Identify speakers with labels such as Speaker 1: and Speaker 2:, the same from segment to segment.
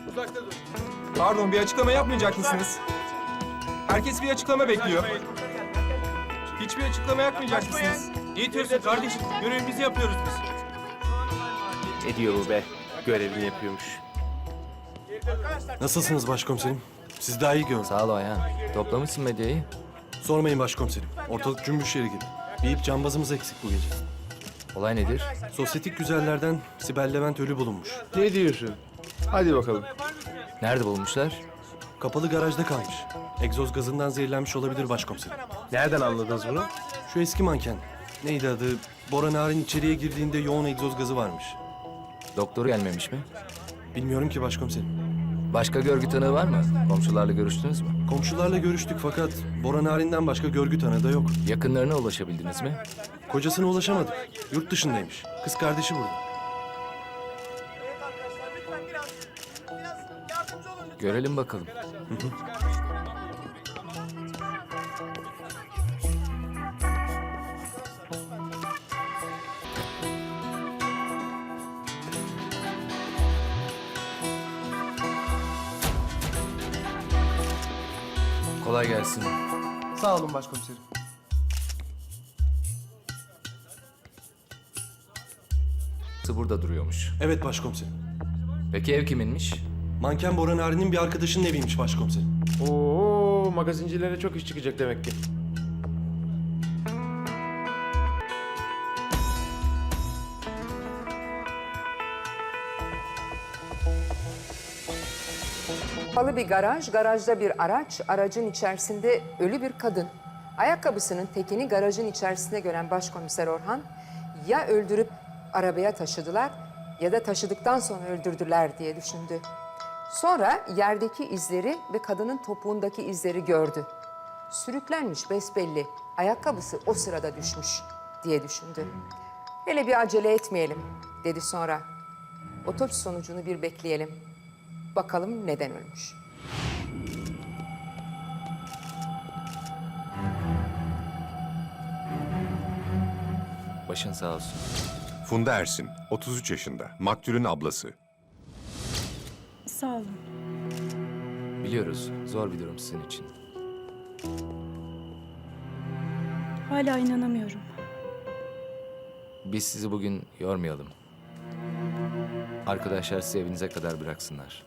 Speaker 1: Pardon, bir açıklama yapmayacak mısınız? Herkes bir açıklama bekliyor. Hiçbir açıklama yapmayacak mısınız?
Speaker 2: Ne diyorsun kardeşim? Görevimizi yapıyoruz biz.
Speaker 3: Ne diyor bu be? Görevini yapıyormuş.
Speaker 4: Nasılsınız başkomiserim? Siz daha iyi görün.
Speaker 5: Sağ ol Ayhan. Toplamışsın medyayı.
Speaker 4: Sormayın başkomiserim. Ortalık cümbüş yeri gibi. Bir ip cambazımız eksik bu gece.
Speaker 5: Olay nedir?
Speaker 4: Sosyetik güzellerden Sibel Levent ölü bulunmuş.
Speaker 3: Ne diyorsun? Hadi bakalım.
Speaker 5: Nerede bulmuşlar?
Speaker 4: Kapalı garajda kalmış. Egzoz gazından zehirlenmiş olabilir başkomiserim.
Speaker 3: Nereden anladınız bunu?
Speaker 4: Şu eski manken. Neydi adı? Bora Narin içeriye girdiğinde yoğun egzoz gazı varmış.
Speaker 5: Doktor gelmemiş mi?
Speaker 4: Bilmiyorum ki başkomiserim.
Speaker 5: Başka görgü tanığı var mı? Komşularla görüştünüz mü?
Speaker 4: Komşularla görüştük fakat Bora Narin'den başka görgü tanığı da yok.
Speaker 5: Yakınlarına ulaşabildiniz mi?
Speaker 4: Kocasına ulaşamadık. Yurt dışındaymış. Kız kardeşi burada.
Speaker 5: Görelim bakalım. Kolay gelsin.
Speaker 1: Sağ olun başkomiserim.
Speaker 5: Burada duruyormuş.
Speaker 4: Evet başkomiserim.
Speaker 5: Peki ev kiminmiş?
Speaker 4: Manken Bora Narin'in bir arkadaşının eviymiş başkomiserim.
Speaker 3: Oo, magazincilere çok iş çıkacak demek ki.
Speaker 6: Kapalı bir garaj, garajda bir araç, aracın içerisinde ölü bir kadın. Ayakkabısının tekini garajın içerisinde gören Başkomiser Orhan, ya öldürüp arabaya taşıdılar ya da taşıdıktan sonra öldürdüler diye düşündü. Sonra yerdeki izleri ve kadının topuğundaki izleri gördü. Sürüklenmiş besbelli, ayakkabısı o sırada düşmüş diye düşündü. Hele bir acele etmeyelim dedi sonra. Otopsi sonucunu bir bekleyelim. Bakalım neden ölmüş.
Speaker 5: Başın sağ olsun.
Speaker 7: Funda Ersin, 33 yaşında, maktulün ablası.
Speaker 8: Sağ olun.
Speaker 5: Biliyoruz, zor bir durum sizin için.
Speaker 8: Hala inanamıyorum.
Speaker 5: Biz sizi bugün yormayalım. Arkadaşlar sizi evinize kadar bıraksınlar.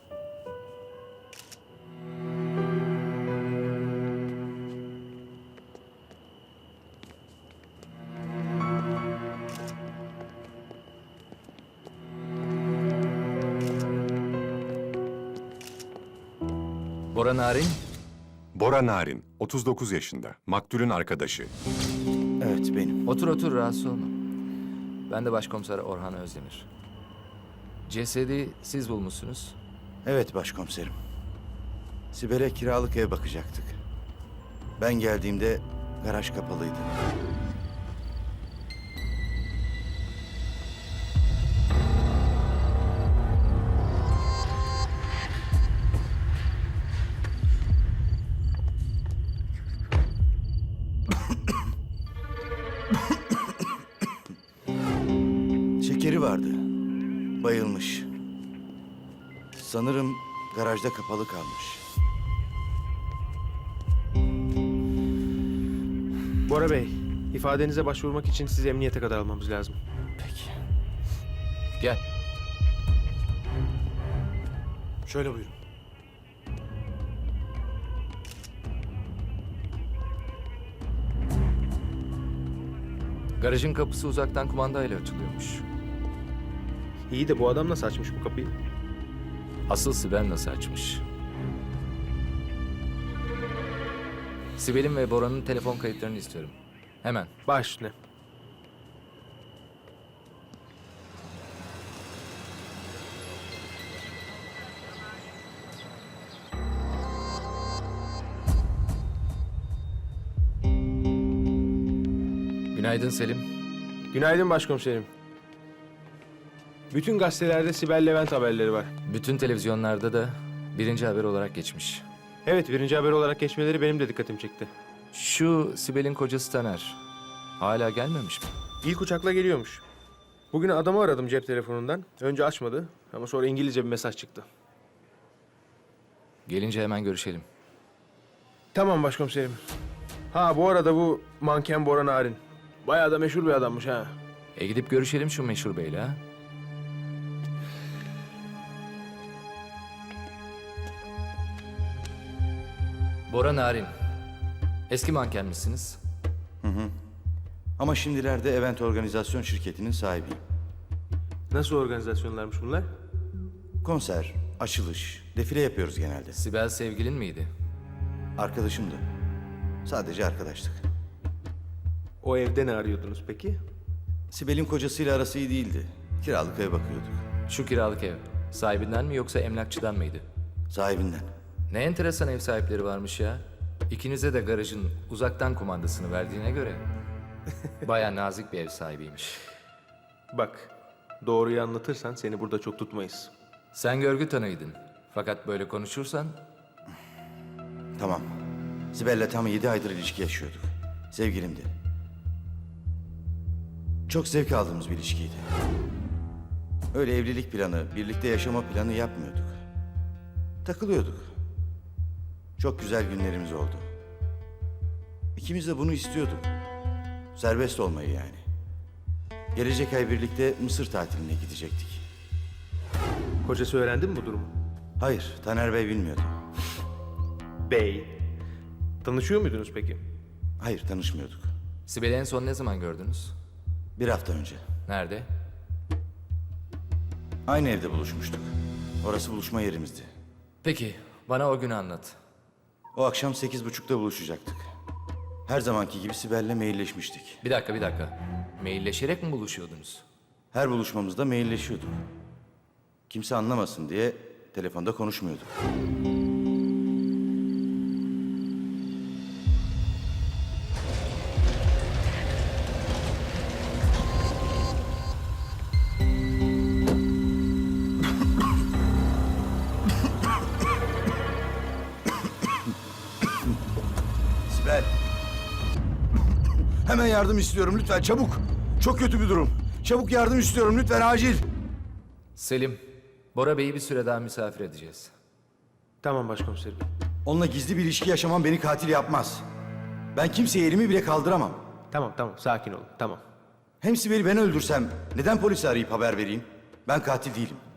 Speaker 5: Bora Narin,
Speaker 7: Bora Narin, 39 yaşında, maktulün arkadaşı.
Speaker 9: Evet benim.
Speaker 5: otur otur rahatsız olma. Ben de Başkomiser Orhan Özdemir. Cesedi siz bulmuşsunuz.
Speaker 9: Evet başkomiserim. Sibel'e kiralık ev bakacaktık. Ben geldiğimde garaj kapalıydı. Şekeri vardı. Bayılmış. Sanırım garajda kapalı kalmış.
Speaker 3: Bora Bey, ifadenize başvurmak için sizi emniyete kadar almamız lazım.
Speaker 5: Peki. Gel.
Speaker 4: Şöyle buyurun.
Speaker 5: Garajın kapısı uzaktan kumandayla açılıyormuş.
Speaker 3: İyi de bu adam nasıl açmış bu kapıyı?
Speaker 5: Asıl Sibel nasıl açmış? Sibel'in ve Bora'nın telefon kayıtlarını istiyorum. Hemen.
Speaker 3: Baş üstüne.
Speaker 5: Günaydın Selim.
Speaker 3: Günaydın başkomiserim. Bütün gazetelerde Sibel Levent haberleri var.
Speaker 5: Bütün televizyonlarda da birinci haber olarak geçmiş.
Speaker 3: Evet, birinci haber olarak geçmeleri benim de dikkatimi çekti.
Speaker 5: Şu Sibel'in kocası Taner. Hala gelmemiş mi?
Speaker 3: İlk uçakla geliyormuş. Bugün adamı aradım cep telefonundan. Önce açmadı ama sonra İngilizce bir mesaj çıktı.
Speaker 5: Gelince hemen görüşelim.
Speaker 3: Tamam başkomiserim. Ha bu arada bu manken Bora Narin. Bayağı da meşhur bir adammış ha.
Speaker 5: Gidip görüşelim şu meşhur beyle ha. Bora Narin. Eski manken misiniz?
Speaker 9: Ama şimdilerde event organizasyon şirketinin sahibiyim.
Speaker 3: Nasıl organizasyonlarmış bunlar?
Speaker 9: Konser, açılış, defile yapıyoruz genelde.
Speaker 5: Sibel sevgilin miydi?
Speaker 9: Arkadaşımdı. Sadece arkadaştık.
Speaker 3: O evde ne arıyordunuz peki?
Speaker 9: Sibel'in kocasıyla arası iyi değildi. Kiralık ev bakıyorduk.
Speaker 5: Şu kiralık ev. Sahibinden mi yoksa emlakçıdan mıydı?
Speaker 9: Sahibinden.
Speaker 5: Ne enteresan ev sahipleri varmış ya. İkinize de garajın uzaktan kumandasını verdiğine göre. Baya nazik bir ev sahibiymiş.
Speaker 3: Bak, doğruyu anlatırsan seni burada çok tutmayız.
Speaker 5: Sen görgü tanıydın. Fakat böyle konuşursan
Speaker 9: Tamam. Sibel'le tam 7 aydır ilişki yaşıyorduk. Sevgilimdi. Çok zevk aldığımız bir ilişkiydi. Öyle evlilik planı, birlikte yaşama planı yapmıyorduk. Takılıyorduk. Çok güzel günlerimiz oldu. İkimiz de bunu istiyorduk. Serbest olmayı yani. Gelecek ay birlikte Mısır tatiline gidecektik.
Speaker 3: Kocası öğrendi mi bu durumu?
Speaker 9: Hayır, Taner Bey bilmiyordu.
Speaker 3: Bey. Tanışıyor muydunuz peki?
Speaker 9: Hayır, tanışmıyorduk.
Speaker 5: Sibel'i en son ne zaman gördünüz?
Speaker 9: 1 hafta önce.
Speaker 5: Nerede?
Speaker 9: Aynı evde buluşmuştuk. Orası buluşma yerimizdi.
Speaker 5: Peki, bana o günü anlat.
Speaker 9: O akşam 8.30'da buluşacaktık. Her zamanki gibi Sibel'le mailleşmiştik.
Speaker 5: Bir dakika. Mailleşerek mi buluşuyordunuz?
Speaker 9: Her buluşmamızda mailleşiyorduk. Kimse anlamasın diye telefonda konuşmuyorduk. Sibel. Hemen yardım istiyorum lütfen çabuk. Çok kötü bir durum. Çabuk yardım istiyorum lütfen acil.
Speaker 5: Selim, Bora Bey'i bir süre daha misafir edeceğiz.
Speaker 3: Tamam başkomiserim.
Speaker 9: Onunla gizli bir ilişki yaşamam beni katil yapmaz. Ben kimseye elimi bile kaldıramam.
Speaker 3: Tamam sakin olun tamam.
Speaker 9: Hem Sibel'i ben öldürsem neden polisi arayıp haber vereyim? Ben katil değilim.